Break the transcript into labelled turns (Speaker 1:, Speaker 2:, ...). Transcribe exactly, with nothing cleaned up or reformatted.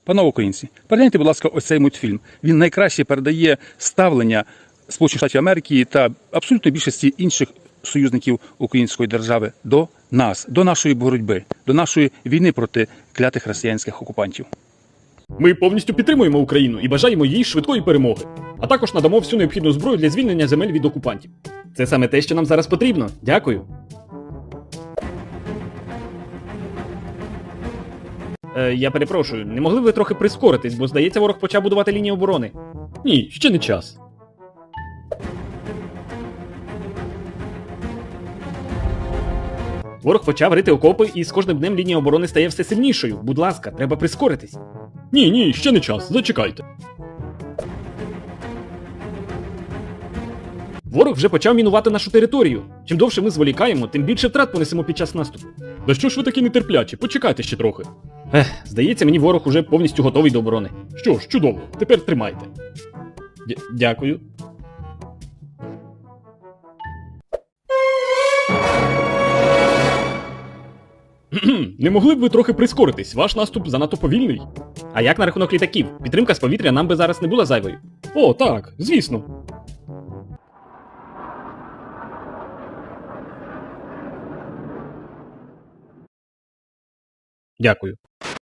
Speaker 1: Панове українці, перегляньте, будь ласка, ось цей мультфільм. Він найкраще передає ставлення Сполучених Штатів Америки та абсолютно більшості інших союзників української держави до нас, до нашої боротьби, до нашої війни проти клятих росіянських окупантів.
Speaker 2: Ми повністю підтримуємо Україну і бажаємо їй швидкої перемоги, а також надамо всю необхідну зброю для звільнення земель від окупантів. Це саме те, що нам зараз потрібно. Дякую. Е, я перепрошую, не могли б ви трохи прискоритись, бо, здається, ворог почав будувати лінію оборони? Ні, ще не час. Ворог почав рити окопи, і з кожним днем лінія оборони стає все сильнішою. Будь ласка, треба прискоритись. Ні, ні, ще не час, зачекайте. Ворог вже почав мінувати нашу територію. Чим довше ми зволікаємо, тим більше втрат понесемо під час наступу. Да що ж ви такі нетерплячі? Почекайте ще трохи. Ех, здається, мені ворог уже повністю готовий до оборони. Що ж, чудово, тепер тримайте. Д- Дякую. Не могли б ви трохи прискоритись? Ваш наступ занадто повільний. А як на рахунок літаків? Підтримка з повітря нам би зараз не була зайвою. О, так, звісно. Дякую.